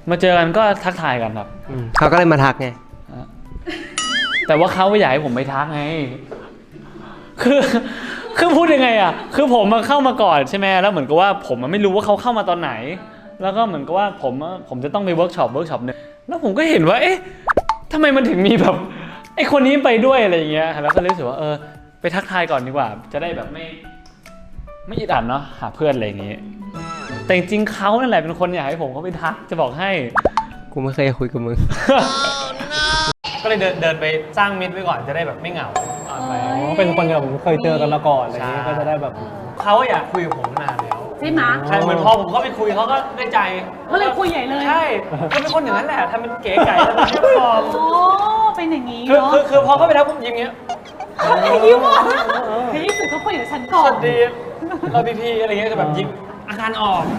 มาเจอกันก็ทักทายกันครับเขาก็เลยมาทักไงแต่ว่าเขาไม่อยากให้ผมไปทักไงคือพูดยังไงอ่ะคือผมมาเข้ามาก่อนใช่ไหมแล้วเหมือนกับว่าผมไม่รู้ว่าเขาเข้ามาตอนไหนแล้วก็เหมือนกับว่าผมจะต้องไปเวิร์กช็อปนึงแล้วผมก็เห็นว่าเอ๊ะทำไมมันถึงมีแบบไอ้คนนี้ไปด้วยอะไรอย่างเงี้ยแล้วก็รู้สึกว่าไปทักทายก่อนดีกว่าจะได้แบบไม่อิดอัดเนาะหาเพื่อนอะไรอย่างงี้แต่จริงๆเขานั่นแหละเป็นคนอยากให้ผมเขาไปทักจะบอกให้กูไม่เคยคุยกับมึงก็เลยเดินไปสร้างมิตรไว้ก่อนจะได้แบบไม่เหงาเป็นคนที่ผมเคยเจอกันมาก่อนอะไรอย่างนี้ก็จะได้แบบเขาอยากคุยกับผมนานแล้วใช่ไหมใช่เหมือนพอผมเข้าไปคุยเขาก็ได้ใจก็เลยคุยใหญ่เลยใช่ก็เป็นคนอย่างนั้นแหละทำเป็นเก๋ไก่แล้วเป็นเรียบร้อยโอ้เป็นอย่างนี้เนาะคือพอเข้าไปแล้วผมยิ้มเงี้ยยิ้มอ่ะเฮ้ยสุดเขาคุยกับฉันก่อนสวัสดีเราพีอะไรเงี้ยจะแบบยิ้มอาการออก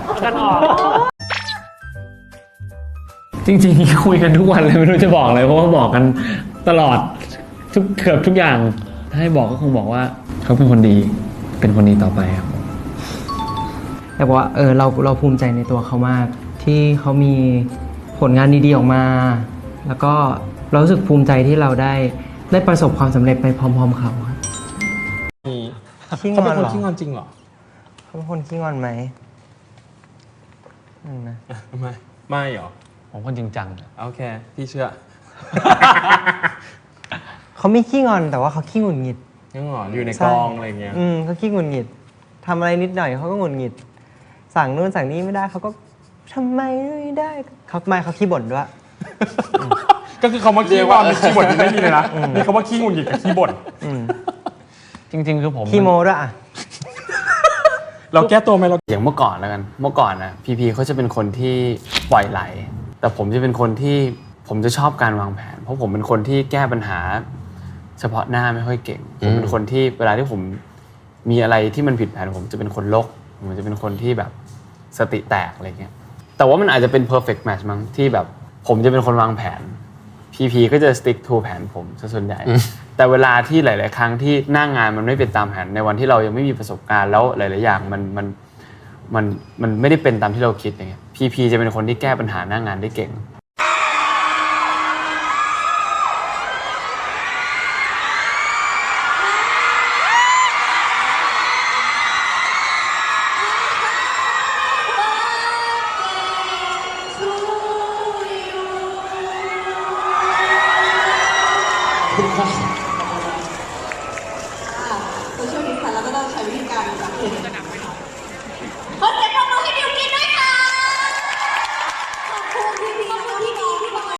จริงๆคุยกันทุกวันเลยไม่รู้จะบอกอะไรเพราะว่าบอกกันตลอดเกือบทุกอย่างถ้าให้บอกก็คงบอกว่าเขาเป็นคนดีต่อไปครับแต่บอกว่าเราภูมิใจในตัวเขามากที่เขามีผลงานดีๆออกมาแล้วก็เรารู้สึกภูมิใจที่เราได้ประสบความสำเร็จไปพร้อมๆเขาครับเขาเป็นคนขี้งอนจริงเหรอเขาเป็นคนขี้งอนไหมนะไม่หรอผมคนจริงจังโอเคพี่เชื่อเขาไม่ขี้งอนแต่ว่าเขาขี้หงุดหงิดขี้งอนอยู่ในกองอะไรเงี้ยเขาขี้หงุดหงิดทำอะไรนิดหน่อยเขาก็หงุดหงิดสั่งนู่นสั่งนี้ไม่ได้เขาก็ทำไมไม่ได้เขาขี้บ่นด้วยก็คือคำว่าขี้งอนขี้บ่นไม่มีเลยนะมีคำว่าขี้หงุดหงิดกับขี้บ่นจริงๆคือผมขี้โม้ด้วยอ่ะเราแก้ตัวไหมเราอย่างเมื่อก่อนแล้วกันเมื่อก่อนนะพีเขาจะเป็นคนที่ปล่อยไหลแต่ผมจะเป็นคนที่ผมจะชอบการวางแผนเพราะผมเป็นคนที่แก้ปัญหาเฉพาะหน้าไม่ค่อยเก่งผมเป็นคนที่เวลาที่ผมมีอะไรที่มันผิดแผนผมจะเป็นคนลกผมจะเป็นคนที่แบบสติแตกอะไรเงี้ยแต่ว่ามันอาจจะเป็น perfect match มั้งที่แบบผมจะเป็นคนวางแผนพีก็จะ stick to แผนผมซะส่วนใหญ่แต่เวลาที่หลายๆครั้งที่หน้างานมันไม่เป็นตามแผนในวันที่เรายังไม่มีประสบการณ์แล้วหลายๆอย่างมันไม่ได้เป็นตามที่เราคิดอย่างเงี้ยพีจะเป็นคนที่แก้ปัญหาหน้างานได้เก่งตัวช่วยนี้ค่ะแล้วก็ต้องใช้วิธีการแบบนี้ขอเสียงปรบมือให้บิวกินด้วยค่ะขอบคุณพี่